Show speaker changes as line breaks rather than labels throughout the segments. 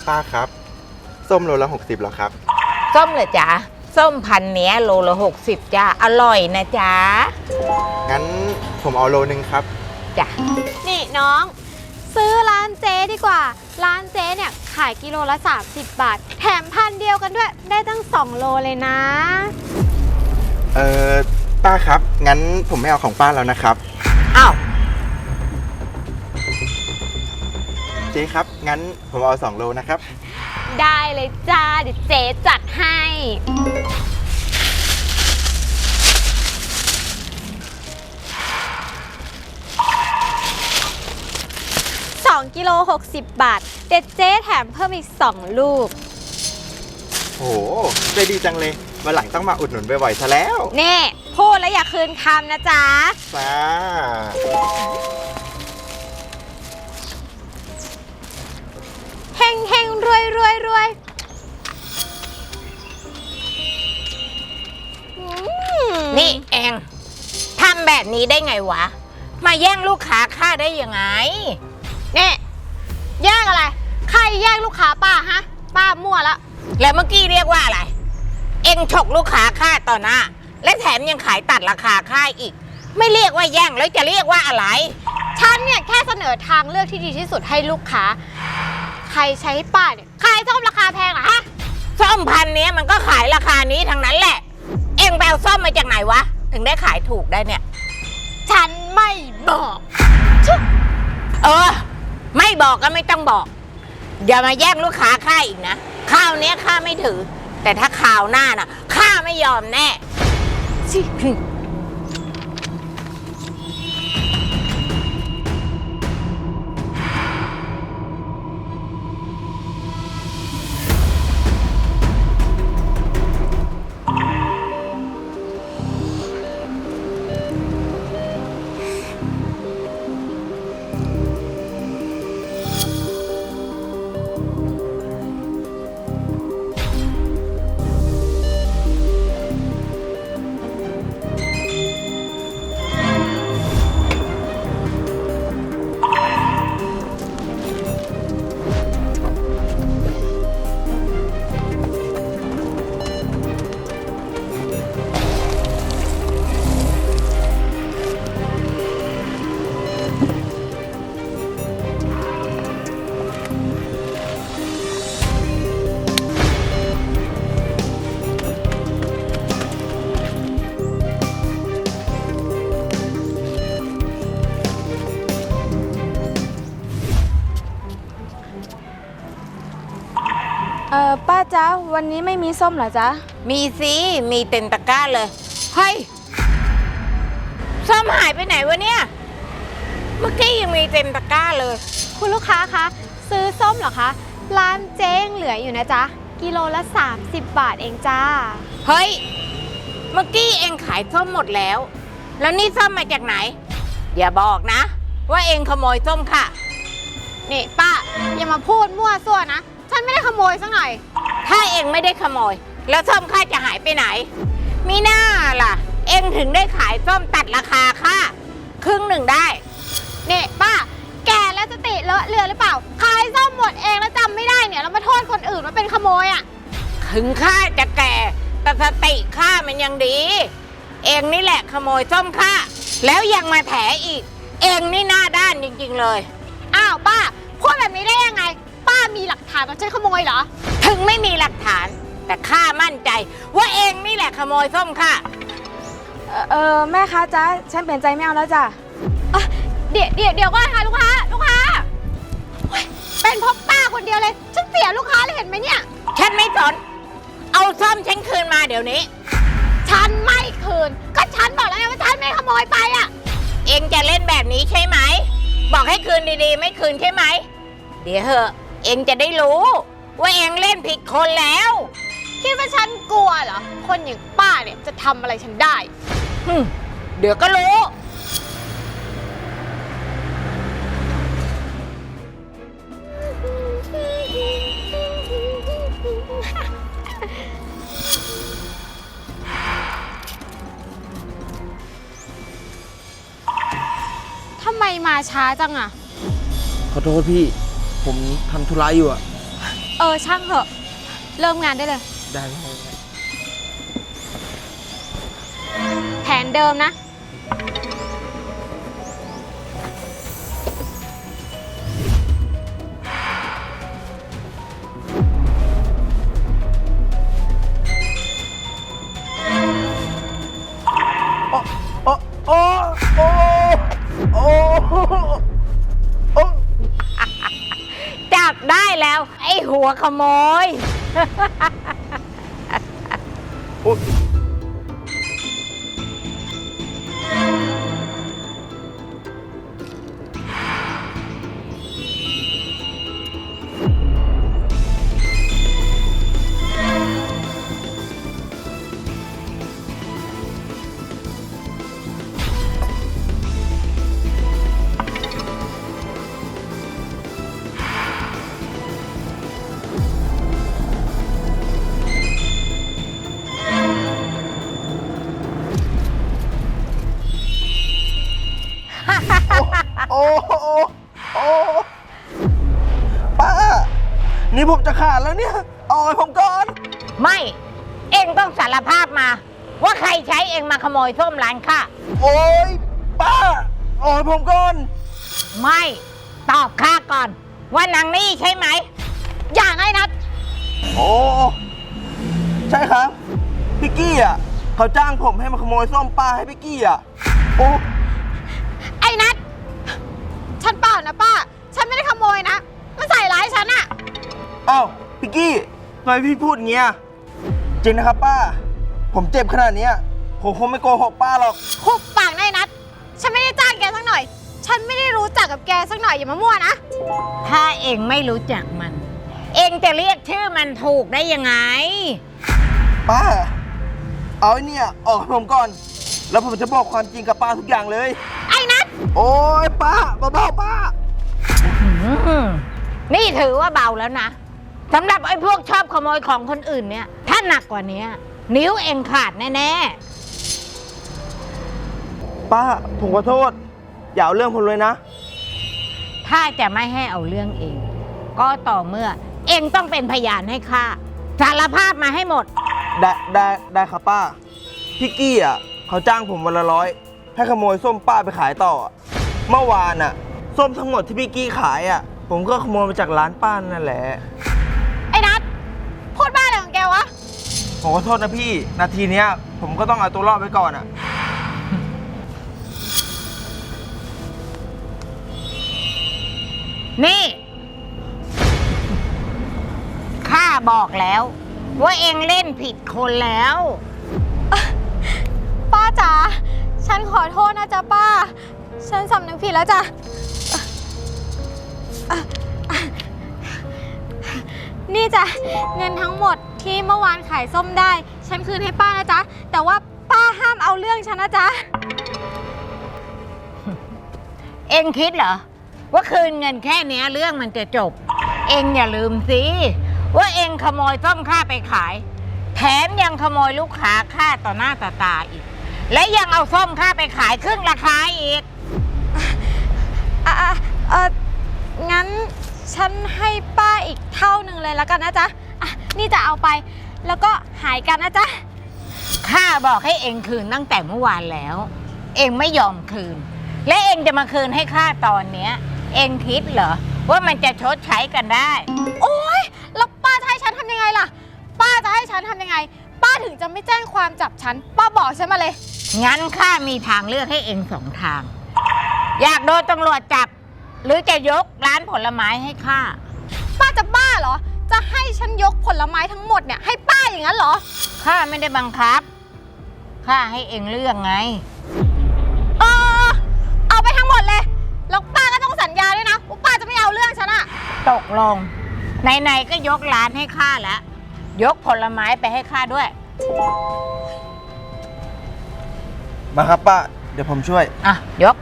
ป้าครับส้มโลละ60เหรอครับ
ส้มเหรอจ๊ะส้มพันเนี้ยโลละ60จ้าอร่อยนะจ๊ะ
งั้นผมเอาโลนึงครับ
จ้ะ
นี่น้องซื้อร้านเจ๊ดีกว่าร้านเจ๊เนี่ยขายกิโลละ30 บาทแถมพันเดียวกันด้วยได้ตั้ง2 โลเลยนะ
ป้าครับงั้นผมไม่เอาของป้าแล้วนะครับ
อ้าว
เจ๊ครับงั้นผมเอา2 โลนะครับ
ได้เลยจ้าเดี๋ยวเจ๊จัดให้2 กิโล60 บาทเด็ดเจ๊แถมเพิ่มอีก2 ลูก
โหใจดีจังเลยวันหลังต้องมาอุดหนุนบ่อยๆซะแล้ว
นี่พูดแล้วอย่าคืนคำนะจ๊ะ
จ้า
เฮงเฮงรวยรวยรวย
นี่เองทำแบบนี้ได้ไงวะมาแย่งลูกค้าข้าได้ยังไง
นี่แย่งอะไรใครแย่งลูกค้าป้าฮะป้ามั่วละ
แล้วเมื่อกี้เรียกว่าอะไรเองฉกลูกค้าข้าต่อหน้าและแถมยังขายตัดราคาข้าอีกไม่เรียกว่าแย่งแล้วจะเรียกว่าอะไร
ฉันเนี่ยแค่เสนอทางเลือกที่ดีที่สุดให้ลูกค้าใครใช้ให้ป้าเนี่ยขายส้มราคาแพงเหรอฮะ
ส้มพันนี้มันก็ขายราคานี้ทั้งนั้นแหละเอ็งไปเอาส้มมาจากไหนวะถึงได้ขายถูกได้เนี่ย
ฉันไม่บอก
ไม่บอกก็ไม่ต้องบอกอย่ามาแย่งลูกค้าข้าอีกนะข้าวเนี้ยข้าไม่ถือแต่ถ้าข่าวหน้าน่ะข้าไม่ยอมแน่
ป้าจ๊ะวันนี้ไม่มีส้มเหรอจ๊ะ
มีสิมีเต็มตะกร้าเลยเฮ้ยส้มหายไปไหนวะเนี่ยเมื่อกี้ยังมีเต็มตะกร้าเลย
คุณลูกค้าคะซื้อส้มเหรอคะร้านเจ๊งเหลืออยู่นะจ๊ะกิโลละ30 บาทเองจ้า
เฮ้ยเมื่อกี้เองขายส้มหมดแล้วแล้วนี่ส้มมาจากไหนอย่าบอกนะว่าเองขโมยส้มค่ะ
นี่ป้าอย่ามาพูดมั่วซั่วนะฉันไม่ได้ขโมยสักหน่อย
ถ้าเองไม่ได้ขโมยแล้วส้มข้าจะหายไปไหนมีหน้าล่ะเองถึงได้ขายส้มตัดราคาค่ะครึ่งหนึ่งได้
นี่ป้าแกแล้วสติเลอะเลือนหรือเปล่าขายส้มหมดเองแล้วจำไม่ได้เนี่ยแล้วมาโทษคนอื่นว่าเป็นขโมยอ่ะ
ถึงข้าจะแก่แต่สติข้ามันยังดีเองนี่แหละขโมยส้มข้าแล้วยังมาแถอีกเองนี่หน้าด้านจริงๆเลย
อ้าวป้าพูดแบบนี้ได้ยังไงป้ามีหลักฐานว่าฉันขโมยเหรอ
ถึงไม่มีหลักฐานแต่ข้ามั่นใจว่าเองนี่แหละขโมยส้มค่ะ
แม่คะจ๊ะฉันเปลี่ยนใจไม่เอาแล้วจ้ะ
เดี๋ยวก่อนค่ะลูกค้าเป็นเพราะป้าคนเดียวเลยฉันเสียลูกค้าเลยเห็นไหมเนี่ย
ฉันไม่สนเอาส้มฉันคืนมาเดี๋ยวนี้
ฉันไม่คืนก็ฉันบอกแล้วไงว่าฉันไม่ขโมยไปอ่ะ
เองจะเล่นแบบนี้ใช่ไหมบอกให้คืนดีๆไม่คืนใช่ไหมเดี๋ยวเหอะเองจะได้รู้ว่าเองเล่นผิดคนแล้ว
คิดว่าฉันกลัวเหรอคนอย่างป้าเนี่ยจะทำอะไรฉันได้
เดี๋ยวก็รู้
ทำไมมาช้าจังอะ
ขอโทษพี่ผมทำธุระอยู่อะ
ช่างเถอะ เริ่มงานได้เลย
ได้
แผนเดิมนะ
โอ้โอ้โอ้โอ้โอ้
จับได้แล้ว ไอ้หัวขโมย
โอ้ โอ้โอ้ป้า นี่ผมจะขาดแล้วเนี่ย เอาให้ผมก่อน
ไม่ เองต้องสารภาพมา ว่าใครใช้เองมาขโมยส้มร้านข้า
โอ้ยป้าเอาให้ผมก่อน
ไม่ ตอบข้าก่อน ว่านางนี่ใช่ไหม
อย่างไอ้นัด
โอ้ ใช่ครับ พี่กี้อ่ะเขาจ้างผมให้มาขโมยส้มป้าให้พี่กี้อ่ะ โอ้
ไอ้นัด ฉันเปล่านะป้า ฉันไม่ได้ขโมยนะ มันใส่ร้ายฉันอะ
เอ้าพี่กี้ทำไมพี่พูดอย่างเงี้ยจริงนะครับป้า ผมเจ็บขนาดเนี้ยผมคงไม่โกหกป้าหรอก
หุบปากนายนัด ฉันไม่ได้จ้างแกสักหน่อย ฉันไม่ได้รู้จักกับแกสักหน่อยอย่ามามั่วนะ
ถ้าเองไม่รู้จักมัน เองจะเรียกชื่อมันถูกได้ยังไง
ป้า เอาไอ้เนี่ยออกให้ผมก่อน แล้วผมจะบอกความจริงกับป้าทุกอย่างเลย
ไอ้นัด
โอ้ยป้าเบาๆป้า
นี่ถือว่าเบาแล้วนะสำหรับไอ้พวกชอบขโมยของคนอื่นเนี่ย ถ้าหนักกว่านี้นิ้วเองขาดแน่
ป้าผมขอโทษ อย่าเอาเรื่องผมเลยนะ
ๆ ถ้าจะไม่ให้เอาเรื่องเอง ก็ต่อเมื่อ เองต้องเป็นพยานให้ข้าสารภาพมาให้หมด
ได้ครับป้า พี่กี้อ่ะเขาจ้างผมวันละ100ให้ขโมยส้มป้าไปขายต่ออะเมื่อวานอ่ะ ส้มทั้งหมดที่พี่กี้ขายอ่ะ ผมก็ขโมยมาจากร้านป้านั่นแหละ
ไอ้นัด พูดบ้าอะไรของแกวะ
ผมขอโทษนะพี่ นาทีเนี้ย ผมก็ต้องเอาตัวรอดไว้ก่อนอ่ะ
นี่ ข้าบอกแล้ว ว่าเองเล่นผิดคนแล้ว
ป้าจ๋า ฉันขอโทษนะจ๊ะป้า ฉันสำนึกผิดแล้วจ้ะนี่จ้ะเงินทั้งหมดที่เมื่อวานขายส้มได้ ฉันคืนให้ป้านะจ๊ะ แต่ว่าป้าห้ามเอาเรื่องฉันนะจ๊ะ
เองคิดเหรอ ว่าคืนเงินแค่เนี้ยเรื่องมันจะจบ เองอย่าลืมสิว่าเองขโมยส้มข้าไปขาย แถมยังขโมยลูกค้าข้าต่อหน้าต่อตาอีก และยังเอาส้มข้าไปขายครึ่งราคาอีก
งั้นฉันให้ป้าอีกเท่าหนึ่งเลยแล้วกันนะจ๊ะนี่จะเอาไป แล้วก็หายกันนะจ๊ะ
ข้าบอกให้เองคืนตั้งแต่เมื่อวานแล้ว เองไม่ยอมคืน และเองจะมาคืนให้ข้าตอนเนี้ย เองคิดเหรอว่ามันจะชดใช้กันได้
โอ๊ย แล้วป้าจะให้ฉันทำยังไงล่ะ ป้าจะให้ฉันทำยังไง ป้าถึงจะไม่แจ้งความจับฉัน ป้าบอกฉันมาเลย
งั้นข้ามีทางเลือกให้เอง2 ทาง อยากโดนตำรวจจับ หรือจะยกร้านผลไม้ให้ข้า
ป้าจะบ้าเหรอ จะให้ฉันยกผลไม้ทั้งหมดเนี่ยให้ป้าอย่างนั้นเหรอ
ข้าไม่ได้บังคับ ข้าให้เองเลือกไง
เอาไปทั้งหมดเลย แล้วป้าก็ต้องสัญญาด้วยนะว่าป้าจะไม่เอาเรื่องฉันอะ
ตกลงไหนๆก็ยกร้านให้ข้าแล้ว ยกผลไม้ไปให้ข้าด้วย
มาครับป้า เดี๋ยวผมช่วย
อ่ะ ยก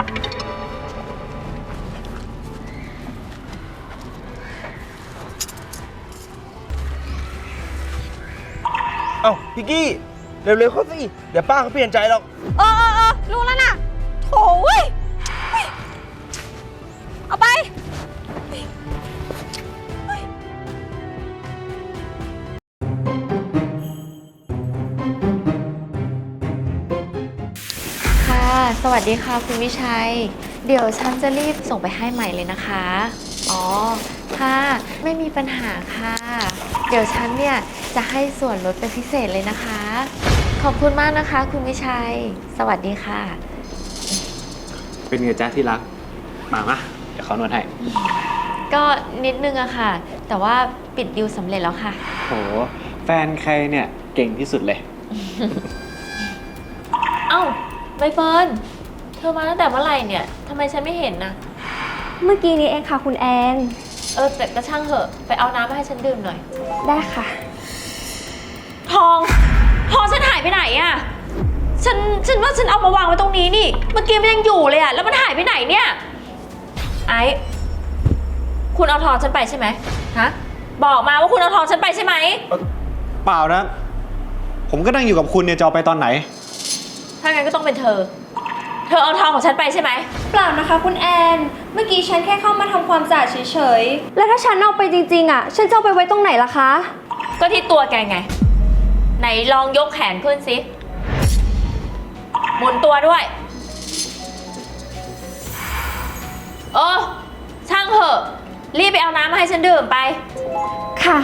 เอ้าพี่กี้ เร็วๆเข้าสิ เดี๋ยวป้าเขาเปลี่ยนใจหรอก
รู้แล้วนะโถ่เว้ยเอาไป
สวัสดีค่ะคุณวิชัย เดี๋ยวฉันจะรีบส่งไปให้ใหม่เลยนะคะ อ๋อ ค่ะ ไม่มีปัญหาค่ะ เดี๋ยวฉันเนี่ยจะให้ส่วนลดเป็นพิเศษเลยนะคะ ขอบคุณมากนะคะคุณวิชัย สวัสดีค่ะ
เป็นไงจ๊ะที่รัก มาเดี๋ยวเขานวดให้
ก็นิดนึงอะค่ะ แต่ว่าปิดดิวสำเร็จแล้วค่ะ
โห แฟนใครเนี่ยเก่งที่สุดเลย
เอ้าใบเฟิร์น เธอมาตั้งแต่เมื่อไหร่เนี่ยทำไมฉันไม่เห็นนะ
เมื่อกี้นี้เองค่ะคุณแอน
แต่ก็ช่างเถอะ ไปเอาน้ำมาให้ฉันดื่มหน่อย
ได้ค่ะ
ทองฉันหายไปไหนอะฉันว่าฉันเอามาวางไว้ตรงนี้นี่ เมื่อกี้มันยังอยู่เลยอะแล้วมันหายไปไหนเนี่ย ไอ้คุณเอาทองฉันไปใช่ไหมฮะ บอกมาว่าคุณเอาทองฉันไปใช่ไหม
เปล่านะ ผมก็นั่งอยู่กับคุณเนี่ยจะเอาไปตอนไหน
ถ้างั้นก็ต้องเป็นเธอเอาทองของฉันไปใช่ไหม
เปล่านะคะคุณแอน เมื่อกี้ฉันแค่เข้ามาทำความสะอาดเฉยๆ แล้วถ้าฉันเอาไปจริงๆอ่ะ ฉันจะเอาไปไว้ตรงไหนล่ะคะ
ก็ที่ตัวแกไง ไหนลองยกแขนขึ้นสิ หมุนตัวด้วย ช่างเถอะ รีบไปเอาน้ำมาให้ฉันดื่มไป
ค่ะ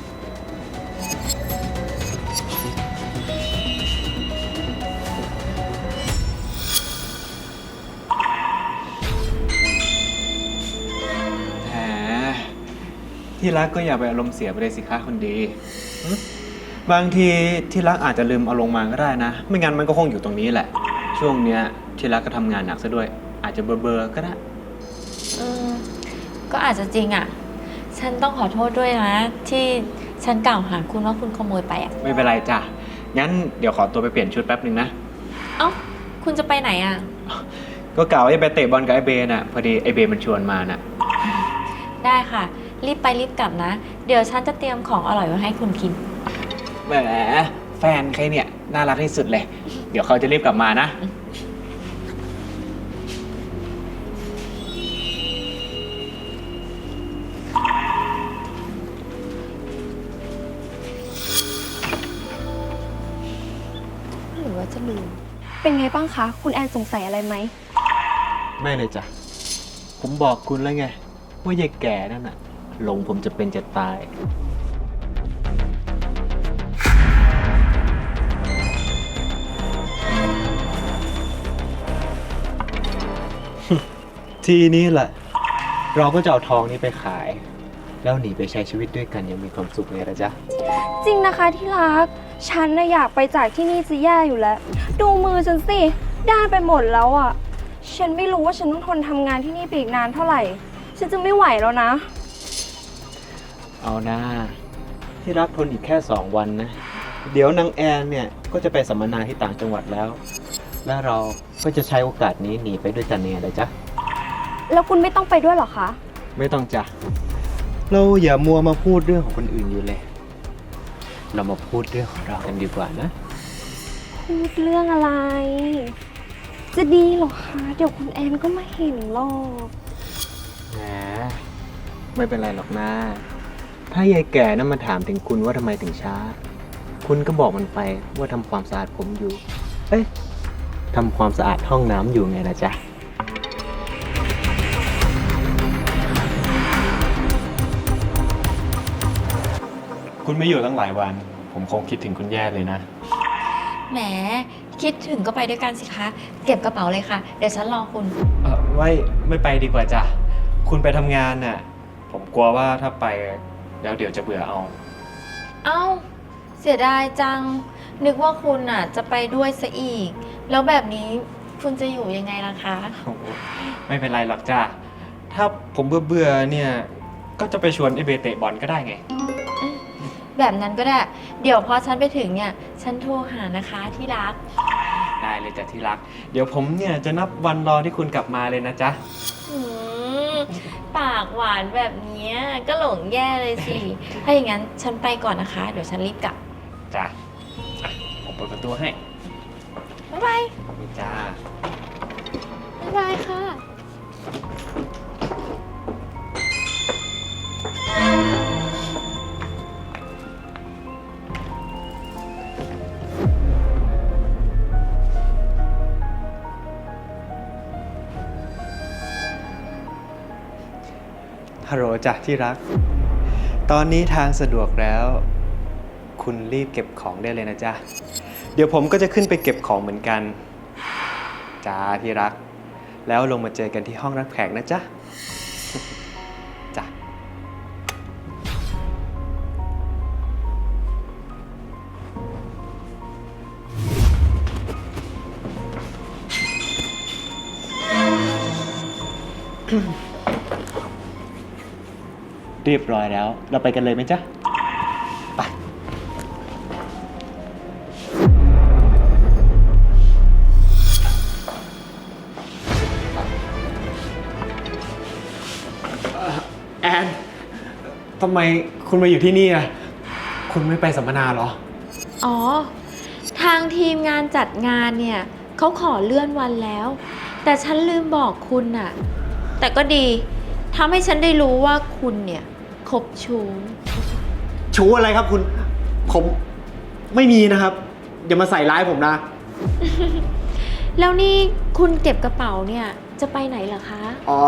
แหม ที่รักก็อย่าไปอารมณ์เสียไปเลยสิคะคนดีหึบางทีที่รักอาจจะลืมเอาลงมาก็ได้นะ ไม่งั้นมันก็คงอยู่ตรงนี้แหละ ช่วงเนี้ยที่รักก็ทำงานหนักซะด้วย อาจจะเบลอๆก็ได้
ก็อาจจะจริงอ่ะ ฉันต้องขอโทษด้วยนะ ที่ฉันกล่าวหาคุณว่าคุณขโมยไปอ่ะ
ไม่เป็นไรจ้ะ งั้นเดี๋ยวขอตัวไปเปลี่ยนชุดแป๊บหนึ่งนะ
เอ้า คุณจะไปไหนอ่ะ
ก็กล่าวว่าจะไปเตะบอลกับไอเบน่ะ พอดีไอเบมันชวนมาน่ะ
ได้ค่ะ รีบไปรีบกลับนะ เดี๋ยวฉันจะเตรียมของอร่อยไว้ให้คุณกิน
แหม แฟนใครเนี่ยน่ารักที่สุดเลย เดี๋ยวเขาจะรีบกลับมานะ
หรือว่าจะลืม
เป็นไงบ้างคะ คุณแอนสงสัยอะไรไหม
ไม่เลยจ้ะ ผมบอกคุณแล้วไง ว่ายายแก่นั่นน่ะหลงผมจะเป็นจะตาย ทีนี้แหละ เราก็จะเอาทองนี้ไปขาย แล้วหนีไปใช้ชีวิตด้วยกันอย่างมีความสุขเลยนะจ๊ะ
จริงนะคะที่รัก ฉันน่ะอยากไปจากที่นี่จะแย่อยู่แล้ว ดูมือฉันสิ ด้านไปหมดแล้วอ่ะ ฉันไม่รู้ว่าฉันต้องทนทำงานที่นี่ไปอีกนานเท่าไหร่ ฉันจะไม่ไหวแล้วนะ
เอานะ ที่รักทนอีกแค่ 2 วันนะ เดี๋ยวนางแอนเนี่ยก็จะไปสัมมนาที่ต่างจังหวัดแล้ว และเราก็จะใช้โอกาสนี้หนีไปด้วยกันเนี่ยเลยจ๊ะ
แล้วคุณไม่ต้องไปด้วยเหรอคะ
ไม่ต้องจ้ะ เราอย่ามัวมาพูดเรื่องของคนอื่นอยู่เลย เรามาพูดเรื่องของเรากันดีกว่านะ
พูดเรื่องอะไร จะดีเหรอคะ เดี๋ยวคุณแอนก็มาเห็นหรอก
แหม ไม่เป็นไรหรอกนะ ถ้ายายแก่นั้นมาถามถึงคุณว่าทำไมถึงช้า คุณก็บอกมันไปว่าทำความสะอาดผมอยู่ เอ้ยทำความสะอาดห้องน้ำอยู่ไงนะจ๊ะ คุณไม่อยู่ตั้งหลายวัน ผมคงคิดถึงคุณแย่เลยนะ
แหม คิดถึงก็ไปด้วยกันสิคะ เก็บกระเป๋าเลยค่ะ เดี๋ยวฉันรอคุณ
ไม่ไปดีกว่าจ้ะ คุณไปทำงานน่ะ ผมกลัวว่าถ้าไปแล้วเดี๋ยวจะเบื่อเอา
เอ้า เสียดายจัง นึกว่าคุณอ่ะจะไปด้วยซะอีก แล้วแบบนี้คุณจะอยู่ยังไงล่ะคะ
โอ้โหไม่เป็นไรหรอกจ้ะ ถ้าผมเบื่อเนี่ย ก็จะไปชวนไอเบเตะบอลก็ได้ไง
แบบนั้นก็ได้ เดี๋ยวพอฉันไปถึงเนี่ย ฉันโทรหานะคะที่รัก
ได้เลยจ้ะที่รัก เดี๋ยวผมเนี่ยจะนับวันรอที่คุณกลับมาเลยนะจ๊ะ
อืมปากหวานแบบเนี้ยก็หลงแย่เลยสิ ถ้าอย่างนั้นฉันไปก่อนนะคะ เดี๋ยวฉันรีบกลับ
จ้ะอ่ะผมเปิดประตูให้
บ๊ายบาย
ขอบคุณจ้า
บ๊ายบายค่ะ
ฮัลโหลจ้ะที่รัก ตอนนี้ทางสะดวกแล้ว คุณรีบเก็บของได้เลยนะจ๊ะ เดี๋ยวผมก็จะขึ้นไปเก็บของเหมือนกัน จ้าที่รัก แล้วลงมาเจอกันที่ห้องรับแขกนะจ๊ะ จ้ะ เรียบร้อยแล้ว เราไปกันเลยไหมจ๊ะ ไป แอน ทำไมคุณมาอยู่ที่นี่อ่ะ คุณไม่ไปสัมมนาเหรอ
อ๋อ ทางทีมงานจัดงานเนี่ยเขาขอเลื่อนวันแล้ว แต่ฉันลืมบอกคุณน่ะ แต่ก็ดีทำให้ฉันได้รู้ว่าคุณเนี่ยคบชู้
ชู้อะไรครับคุณ ผมไม่มีนะครับ อย่ามาใส่ร้ายผมนะ
แล้วนี่คุณเก็บกระเป๋าเนี่ยจะไปไหนเหรอคะ
อ๋อ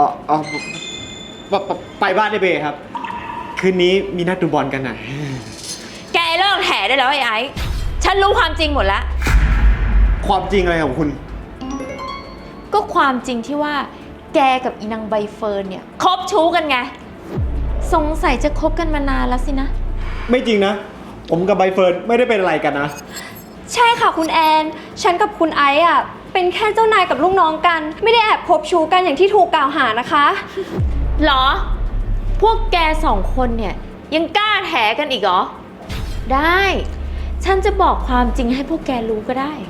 ไปบ้านได้เบครับ คืนนี้มีนัดดูบอลกันน่ะ
แกเลิกแถได้แล้วไอ้ฉันรู้ความจริงหมดแล้ว
ความจริงอะไรของคุณ
ก็ความจริงที่ว่าแกกับอีนางใบเฟิร์นเนี่ยคบชู้กันไง สงสัยจะคบกันมานานแล้วสินะ
ไม่จริงนะ ผมกับใบเฟิร์นไม่ได้เป็นอะไรกันนะ
ใช่ค่ะคุณแอน ฉันกับคุณไอซ์อ่ะเป็นแค่เจ้านายกับลูกน้องกัน ไม่ได้แอบคบชู้กันอย่างที่ถูกกล่าวหานะคะ
หรอ พวกแกสองคนเนี่ยยังกล้าแถกันอีกเหรอ ได้ ฉันจะบอกความจริงให้พวกแกรู้ก็ได้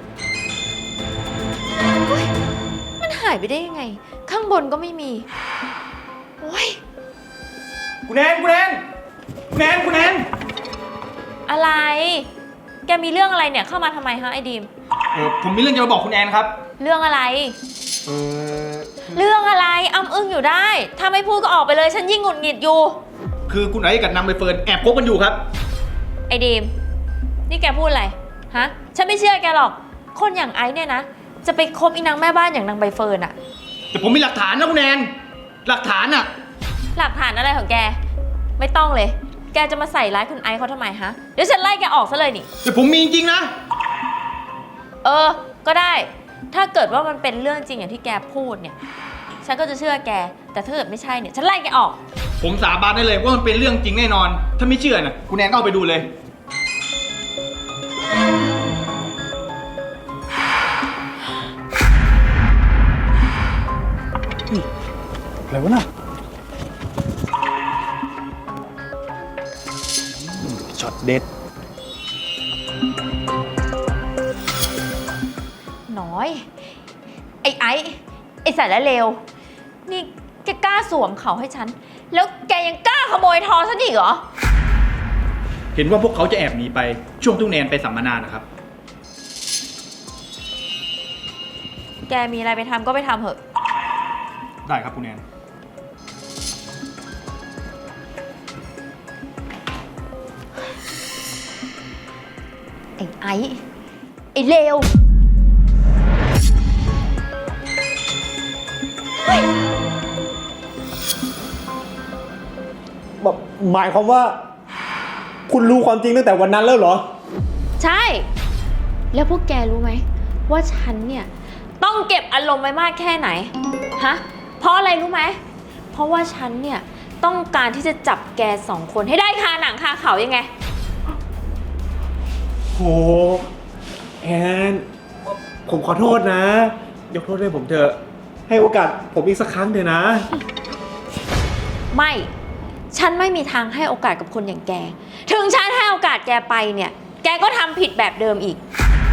เฮ้ยมันหายไปได้ยังไง ข้างบนก็ไม่มีโอ้ย
คุณแอนคุณแอนคุณแอนคุณแอน
อะไร แกมีเรื่องอะไรเนี่ยเข้ามาทำไมฮะไอ้ดีม
ผมมีเรื่องจะมาบอกคุณแอนครับ
เรื่องอะไร
เออ
เรื่องอะไรอ้ำอึ้งอยู่ได้ ถ้าไม่พูดก็ออกไปเลย ฉันยิ่งหงุดหงิดอยู่
คือคุณไอ้กับนางใบเฟิร์นแอบคบกันอยู่ครับ
ไอ้ดีม นี่แกพูดอะไร ฮะ ฉันไม่เชื่อแกหรอก คนอย่างไอ้เนี่ยนะ จะไปคบอีนางแม่บ้านอย่างนางใบเฟิร์นอะ
แต่ผมมีหลักฐานนะคุณแอนหลักฐานอะ
หลักฐานอะไรของแก ไม่ต้องเลย แกจะมาใส่ร้ายคุณไอซ์เขาทำไมฮะ เดี๋ยวฉันไล่แกออกซะเลยนี่
แต่ผมมีจริงๆนะ
เออ ก็ได้ ถ้าเกิดว่ามันเป็นเรื่องจริงอย่างที่แกพูดเนี่ย ฉันก็จะเชื่อแก แต่ถ้าเกิดไม่ใช่เนี่ย ฉันไล่แกออก
ผมสาบานได้เลยว่ามันเป็นเรื่องจริงแน่นอน ถ้าไม่เชื่อนะคุณแอนก็เอาไปดูเลย อะไรวะน่ะช็อตเด็ด
น้อย ไอ้ไอ้สารเลว นี่แกกล้าสวมเขาให้ฉัน แล้วแกยังกล้าขโมยทองฉันอีกเหรอ
เห็นว่าพวกเขาจะแอบหนีไปช่วงที่คุณแอนไปสัมมนานะครับ
แกมีอะไรไปทำก็ไปทำเถอะ
ได้ครับคุณแอน
ไอ้เลว
หมายความว่า คุณรู้ความจริงตั้งแต่วันนั้นแล้วเหรอ
ใช่ แล้วพวกแกรู้ไหมว่าฉันเนี่ยต้องเก็บอารมณ์ไว้มากแค่ไหน ฮะ เพราะอะไรรู้ไหม เพราะว่าฉันเนี่ยต้องการที่จะจับแกสองคนให้ได้คาหนังคาเขายังไง
โห แอน ผมขอโทษนะ ยกโทษให้ผมเถอะ ให้โอกาสผมอีกสักครั้งเถอะนะ
ไม่ ฉันไม่มีทางให้โอกาสกับคนอย่างแก ถึงฉันให้โอกาสแกไปเนี่ย แกก็ทำผิดแบบเดิมอีก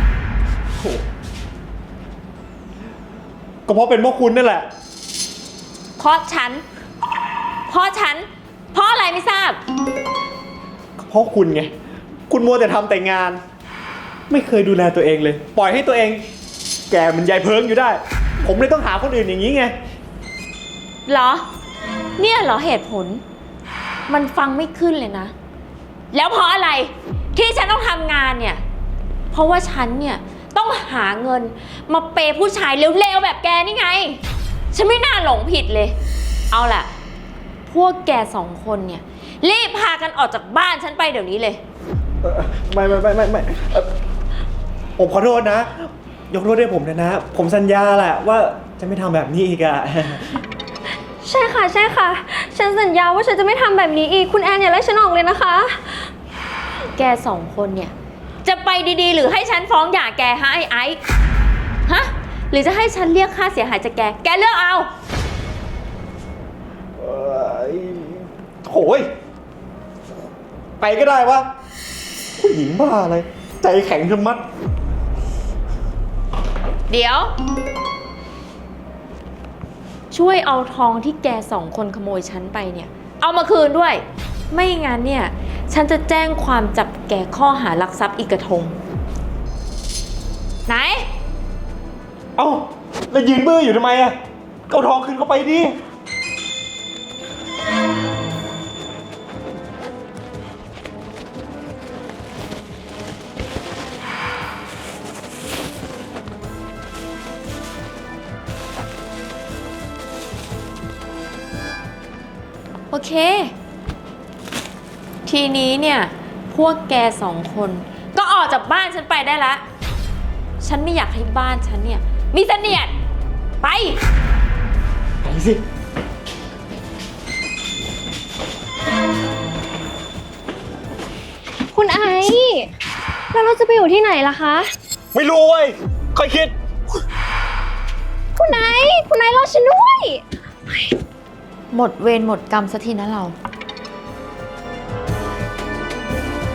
ก็เพราะเป็นพวกคุณนั่นแหละ
เพราะฉัน เพราะอะไรไม่ทราบ
เพราะคุณไง คุณมัวแต่ทำแต่งาน ไม่เคยดูแลตัวเองเลย ปล่อยให้ตัวเอง แก่เหมันยายเพิงอยู่ได้ ผมเลยต้องหาคนอื่นอย่างนี้ไง
เหรอ เนี่ยเหรอเหตุผล มันฟังไม่ขึ้นเลยนะ แล้วเพราะอะไรที่ฉันต้องทำงานเนี่ย เพราะว่าฉันเนี่ยต้องหาเงินมาเปย์ผู้ชายเร็วๆแบบแกนี่ไง ฉันไม่น่าหลงผิดเลย เอาล่ะ พพวกแกสองคนเนี่ยรีบพากันออกจากบ้านฉันไปเดี๋ยวนี้เลย
ไม่ผมขอโทษนะ ยกโทษให้ผมนะ ผมสัญญาแหละว่าจะไม่ทำแบบนี้อีกอะ
ใช่ค่ะ ใช่ค่ะ ฉันสัญญาว่าฉันจะไม่ทำแบบนี้อีก คุณแอนอย่าไล่ฉันออกเลยนะคะ
แกสองคนเนี่ยจะไปดีๆ หรือให้ฉันฟ้องหย่าแกฮะไอ้ฮะหรือจะให้ฉันเรียกค่าเสียหายจากแกเลือกเอา
โอ้ยไปก็ได้วะผู้หญิงบ้าอะไร ใจแข็งชะมัด
เดี๋ยว ช่วยเอาทองที่แกสองคนขโมยฉันไปเนี่ยเอามาคืนด้วย ไม่งั้นเนี่ยฉันจะแจ้งความจับแกข้อหารักทรัพย์อีกกระทงไหน
เอ้าแล้วยืนบื้ออยู่ทำไมอะเอาทองคืนเข้าไปดิ
โอเค ทีนี้เนี่ยพวกแกสองคนก็ออกจากบ้านฉันไปได้ละฉันไม่อยากให้บ้านฉันเนี่ยมีเสนียดไป
ไปสิ
คุณไอซ์แล้วเราจะไปอยู่ที่ไหนล่ะคะ
ไม่รู้เว้ยค่อยคิด
คุณไอซ์รอฉันด้วย
หมดเวรหมดกรรมสักทีนะเรา